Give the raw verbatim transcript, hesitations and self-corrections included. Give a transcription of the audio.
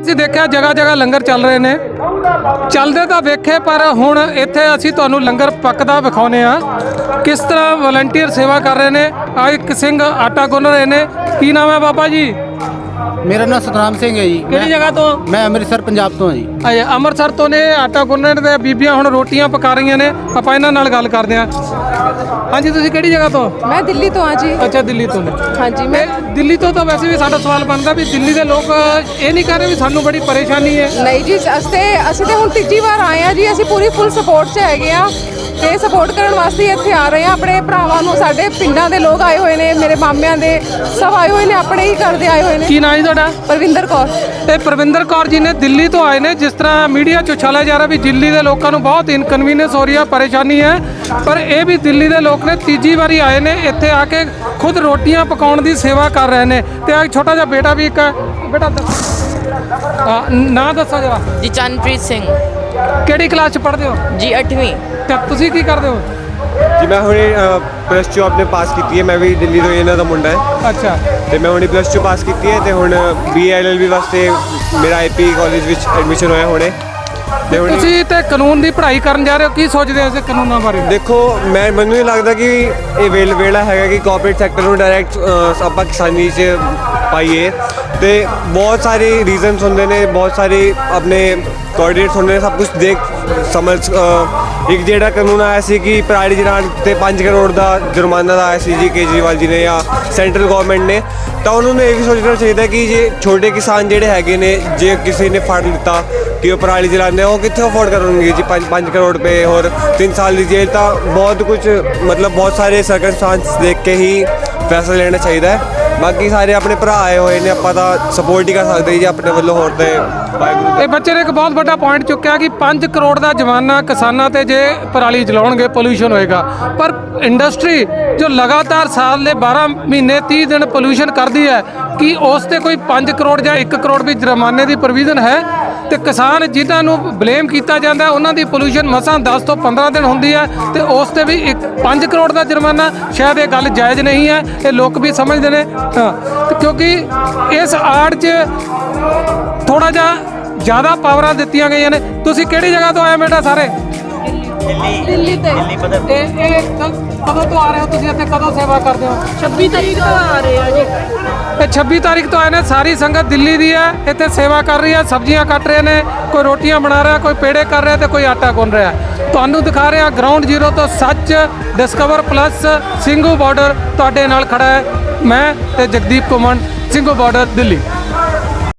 ਅਸੀਂ ਦੇਖਿਆ ਜਗ੍ਹਾ ਜਗ੍ਹਾ ਲੰਗਰ ਚੱਲ ਰਹੇ ਨੇ, ਚੱਲਦੇ ਤਾਂ ਵੇਖੇ ਪਰ ਹੁਣ ਇੱਥੇ ਅਸੀਂ ਤੁਹਾਨੂੰ ਲੰਗਰ ਪੱਕਦਾ ਵਿਖਾਉਂਦੇ ਆ ਕਿਸ ਤਰ੍ਹਾਂ ਵਲੰਟੀਅਰ ਸੇਵਾ ਕਰ ਰਹੇ ਨੇ। ਆ ਇੱਕ ਸਿੰਘ ਆਟਾ ਗੁੰਨ ਰਹੇ ਨੇ। ਕੀ ਨਾਮ ਹੈ ਬਾਬਾ ਜੀ? ਮੇਰਾ ਨਾਮ ਸਤਨਾਮ ਸਿੰਘ ਹੈ ਜੀ। ਕਿਹੜੀ ਜਗ੍ਹਾ ਤੋਂ? ਮੈਂ ਅੰਮ੍ਰਿਤਸਰ ਪੰਜਾਬ ਤੋਂ ਹਾਂ ਜੀ। ਅਜੇ ਅੰਮ੍ਰਿਤਸਰ ਤੋਂ ਨੇ। ਆਟਾ ਗੁੰਨਣ ਦੇ ਬੀਬੀਆਂ ਹੁਣ ਰੋਟੀਆਂ ਪਕਾ ਰਹੀਆਂ ਨੇ, ਆਪਾਂ ਇਹਨਾਂ ਨਾਲ ਗੱਲ ਕਰਦੇ ਹਾਂ। ਹਾਂਜੀ, ਤੁਸੀਂ ਕਿਹੜੀ ਜਗ੍ਹਾ ਤੋਂ? मैं दिल्ली तो हाँ जी। ਅੱਛਾ, ਦਿੱਲੀ ਤੋਂ ਨੇ। हाँ जी मैं ਦਿੱਲੀ ਤੋਂ ਤਾਂ ਵੈਸੇ ਵੀ ਸਾਡਾ ਸਵਾਲ ਬਣਦਾ ਵੀ ਦਿੱਲੀ ਦੇ ਲੋਕ ਇਹ ਨਹੀਂ ਕਰ ਰਹੇ ਵੀ ਸਾਨੂੰ ਬੜੀ ਪਰੇਸ਼ਾਨੀ ਹੈ। नहीं जी ਅਸੀਂ ਅਸੀਂ ਤੇ ਹੁਣ ਤੀਜੀ ਵਾਰ ਆਏ ਆ ਜੀ। ਅਸੀਂ ਪੂਰੀ ਫੁੱਲ ਸਪੋਰਟ 'ਚ ਹੈਗੇ ਆ ਤੇ ਸਪੋਰਟ ਕਰਨ ਵਾਸਤੇ ਇੱਥੇ ਆ ਰਹੇ ਆ। ਆਪਣੇ ਭਰਾਵਾਂ ਨੂੰ, ਸਾਡੇ ਪਿੰਡਾਂ ਦੇ ਲੋਕ ਆਏ ਹੋਏ ਨੇ, ਮੇਰੇ ਮਾਮਿਆਂ ਦੇ ਸਭ ਆਏ ਹੋਏ ਨੇ, ਆਪਣੇ ਹੀ ਘਰ ਦੇ ਆਏ ਹੋਏ ਨੇ। ਕੀ ਨਾਂ ਜੀ ਤੁਹਾਡਾ? ਪਰਵਿੰਦਰ ਕੌਰ। ਤੇ ਪਰਵਿੰਦਰ ਕੌਰ ਜੀ ਨੇ ਦਿੱਲੀ ਤੋਂ ਆਏ ਨੇ। ਜਿਸ ਤਰ੍ਹਾਂ ਮੀਡੀਆ 'ਚ ਉਛਾਲਿਆ ਜਾ ਰਿਹਾ ਵੀ ਦਿੱਲੀ ਦੇ ਲੋਕਾਂ ਨੂੰ ਬਹੁਤ ਇਨਕਨਵੀਨੀਅੰਸ ਹੋ ਰਹੀ ਹੈ, ਪਰੇਸ਼ਾਨੀ ਹੈ, ਪਰ ਇਹ ਵੀ ਦਿੱਲੀ ਦੇ ਲੋਕ ਨੇ ਤੀਜੀ ਵਾਰੀ ਆਏ ਨੇ ਇੱਥੇ ਆ ਕੇ ਖੁਦ ਰੋਟੀਆਂ ਪਕਾਉਣ ਦੀ ਸੇਵਾ ਕਰ ਰਹੇ ਨੇ। ਤੇ ਆ ਛੋਟਾ ਜਿਹਾ ਬੇਟਾ ਵੀ ਇੱਕ ਬੇਟਾ ਨਾਂ ਦੱਸੋ ਜਰਾ। ਜੀ ਚੰਨਪ੍ਰੀਤ ਸਿੰਘ ਕਿਹੜੀ ਕਲਾਸ 'ਚ ਪੜ੍ਹਦੇ ਹੋ? ਜੀ ਅੱਠਵੀਂ। ਤੇ ਤੁਸੀਂ ਕੀ ਕਰਦੇ ਹੋ? ਜੀ ਮੈਂ ਹੁਣੇ ਪਲੱਸ ਟੂ ਆਪਣੇ ਪਾਸ ਕੀਤੀ ਹੈ। ਮੈਂ ਵੀ ਦਿੱਲੀ ਤੋਂ ਇਹਨਾਂ ਦਾ ਮੁੰਡਾ ਹੈ ਅੱਛਾ। ਤੇ ਮੈਂ ਹੁਣੇ ਪਲੱਸ ਟੂ ਪਾਸ ਕੀਤੀ ਹੈ ਤੇ ਹੁਣ ਬੀ ਐਲ ਐਲ ਬੀ ਵਾਸਤੇ ਮੇਰਾ ਆਈ ਪੀ ਕਾਲਜ ਵਿੱਚ ਐਡਮਿਸ਼ਨ ਹੋਇਆ ਹੁਣੇ। ਤੇ ਹੁਣ ਤੁਸੀਂ ਤੇ ਕਾਨੂੰਨ ਦੀ ਪੜ੍ਹਾਈ ਕਰਨ ਜਾ ਰਹੇ ਹੋ, ਕੀ ਸੋਚਦੇ ਹੋ ਇਸ ਕਾਨੂੰਨਾਂ ਬਾਰੇ? ਦੇਖੋ, ਮੈਂ ਮੈਨੂੰ ਨਹੀਂ ਲੱਗਦਾ ਕਿ ਇਹ ਵੇਲ ਵੇਲਾ ਹੈਗਾ ਕਿ ਕਾਰਪੋਰੇਟ ਸੈਕਟਰ ਨੂੰ ਡਾਇਰੈਕਟ ਆਪਾਂ ਕਿਸਾਨੀ 'ਚ ਪਾਈਏ। ਤੇ ਬਹੁਤ ਸਾਰੇ ਰੀਜ਼ਨਸ ਹੁੰਦੇ ਨੇ, ਬਹੁਤ ਸਾਰੇ ਆਪਣੇ ਕੋਆਰਡੀਨੇਟਸ ਹੁੰਦੇ ਨੇ, ਸਭ ਕੁਝ ਦੇਖ ਸਮਝ ਇੱਕ ਜਿਹੜਾ ਕਾਨੂੰਨ ਆਇਆ ਸੀ ਕਿ ਪਰਾਲੀ ਜਲਾਉਣ 'ਤੇ ਪੰਜ ਕਰੋੜ ਦਾ ਜੁਰਮਾਨਾ ਦਾ ਆਇਆ ਸੀ ਜੀ ਕੇਜਰੀਵਾਲ ਜੀ ਨੇ ਜਾਂ ਸੈਂਟਰਲ ਗਵਰਨਮੈਂਟ ਨੇ, ਤਾਂ ਉਹਨਾਂ ਨੂੰ ਇਹ ਵੀ ਸੋਚਣਾ ਚਾਹੀਦਾ ਕਿ ਜੇ ਛੋਟੇ ਕਿਸਾਨ ਜਿਹੜੇ ਹੈਗੇ ਨੇ, ਜੇ ਕਿਸੇ ਨੇ ਫੜ ਲਿੱਤਾ ਕਿ ਉਹ ਪਰਾਲੀ ਜਲਾਉਂਦੇ, ਉਹ ਕਿੱਥੇ ਅਫੋਰਡ ਕਰਨਗੇ ਜੀ ਪੰਜ ਪੰਜ ਕਰੋੜ ਰੁਪਏ ਹੋਰ ਤਿੰਨ ਸਾਲ ਦੀ ਜੇਲ੍ਹ। ਤਾਂ ਬਹੁਤ ਕੁਝ ਮਤਲਬ ਬਹੁਤ ਸਾਰੇ ਸਰਕਮਸਟੈਂਸ ਦੇਖ ਕੇ ਹੀ ਫੈਸਲਾ ਲੈਣਾ ਚਾਹੀਦਾ ਹੈ। ਬਾਕੀ ਸਾਰੇ ਆਪਣੇ ਭਰਾ ਆਏ ਹੋਏ ਨੇ, ਆਪਾਂ ਤਾਂ ਸਪੋਰਟ ਹੀ ਕਰ ਸਕਦੇ ਜੀ ਆਪਣੇ ਵੱਲੋਂ। ਹੋਰ ਤੇ ਵਾਹਿਗੁਰੂ। ਇਹ ਬੱਚੇ ਨੇ ਇੱਕ ਬਹੁਤ ਵੱਡਾ ਪੁਆਇੰਟ ਚੁੱਕਿਆ ਕਿ ਪੰਜ ਕਰੋੜ ਦਾ ਜੁਰਮਾਨਾ ਕਿਸਾਨਾਂ ਤੇ ਜੇ ਪਰਾਲੀ ਜਲਾਉਣਗੇ ਪੋਲੂਸ਼ਨ ਹੋਏਗਾ, ਪਰ ਇੰਡਸਟਰੀ ਜੋ ਲਗਾਤਾਰ ਸਾਲ ਦੇ ਬਾਰਾਂ ਮਹੀਨੇ ਤੀਹ ਦਿਨ ਪੋਲੂਸ਼ਨ ਕਰਦੀ ਹੈ, ਕੀ ਉਸ ਤੇ ਕੋਈ ਪੰਜ ਕਰੋੜ ਜਾਂ ਇੱਕ ਕਰੋੜ ਵੀ ਜੁਰਮਾਨੇ ਦੀ ਪ੍ਰੋਵੀਜ਼ਨ ਹੈ? ਤੇ ਕਿਸਾਨ ਜਿਨ੍ਹਾਂ ਨੂੰ ਬਲੇਮ ਕੀਤਾ ਜਾਂਦਾ ਉਹਨਾਂ ਦੀ ਪੋਲੂਸ਼ਨ ਮਸਾਂ ਦਸ ਤੋਂ ਪੰਦਰਾਂ ਦਿਨ ਹੁੰਦੀ ਹੈ ਤੇ ਉਸ ਤੇ ਵੀ ਇੱਕ ਪੰਜ ਕਰੋੜ ਦਾ ਜੁਰਮਾਨਾ, ਸ਼ਾਇਦ ਇਹ ਗੱਲ ਜਾਇਜ਼ ਨਹੀਂ ਹੈ। ਇਹ ਲੋਕ ਵੀ ਸਮਝਦੇ ਨੇ ਹਾਂ, ਤੇ ਕਿਉਂਕਿ ਇਸ ਆੜ 'ਚ ਥੋੜਾ ਜਿਹਾ ਜ਼ਿਆਦਾ ਪਾਵਰਾਂ ਦਿੱਤੀਆਂ ਗਈਆਂ ਨੇ। ਤੁਸੀਂ ਕਿਹੜੀ ਜਗ੍ਹਾ ਤੋਂ ਆਏ ਬੇਟਾ? ਸਾਰੇ ਦਿੱਲੀ ਤੇ ਇਹ ਇਹ ਕਦੋਂ ਤੋਂ ਆ ਰਹੇ ਹੋ ਤੁਸੀਂ ਇੱਥੇ? ਕਦੋਂ ਸੇਵਾ ਕਰਦੇ ਹੋ? ਛੱਬੀ ਤਰੀਕ ਤੋਂ ਆ ਰਹੇ ਆ ਜੀ। ਇਹ ਛੱਬੀ ਤਾਰੀਖ ਤੋਂ ਆਏ ਨੇ। ਸਾਰੀ ਸੰਗਤ ਦਿੱਲੀ ਦੀ ਹੈ, ਇੱਥੇ ਸੇਵਾ ਕਰ ਰਹੀ ਹੈ, ਸਬਜ਼ੀਆਂ ਕੱਟ ਰਹੇ ਨੇ, ਕੋਈ ਰੋਟੀਆਂ ਬਣਾ ਰਿਹਾ, ਕੋਈ ਪੇੜੇ ਕਰ ਰਿਹਾ ਤੇ ਕੋਈ ਆਟਾ ਗੁੰਨ ਰਿਹਾ। ਤੁਹਾਨੂੰ ਦਿਖਾ ਰਿਹਾ ਗਰਾਊਂਡ ਜ਼ੀਰੋ ਤੋਂ ਸੱਚ ਡਿਸਕਵਰ ਪਲੱਸ ਸਿੰਘੂ ਬਾਰਡਰ ਤੁਹਾਡੇ ਨਾਲ ਖੜਾ ਹੈ। ਮੈਂ ਤੇ ਜਗਦੀਪ ਕੁਮਾਰ, ਸਿੰਘੂ ਬਾਰਡਰ, ਦਿੱਲੀ।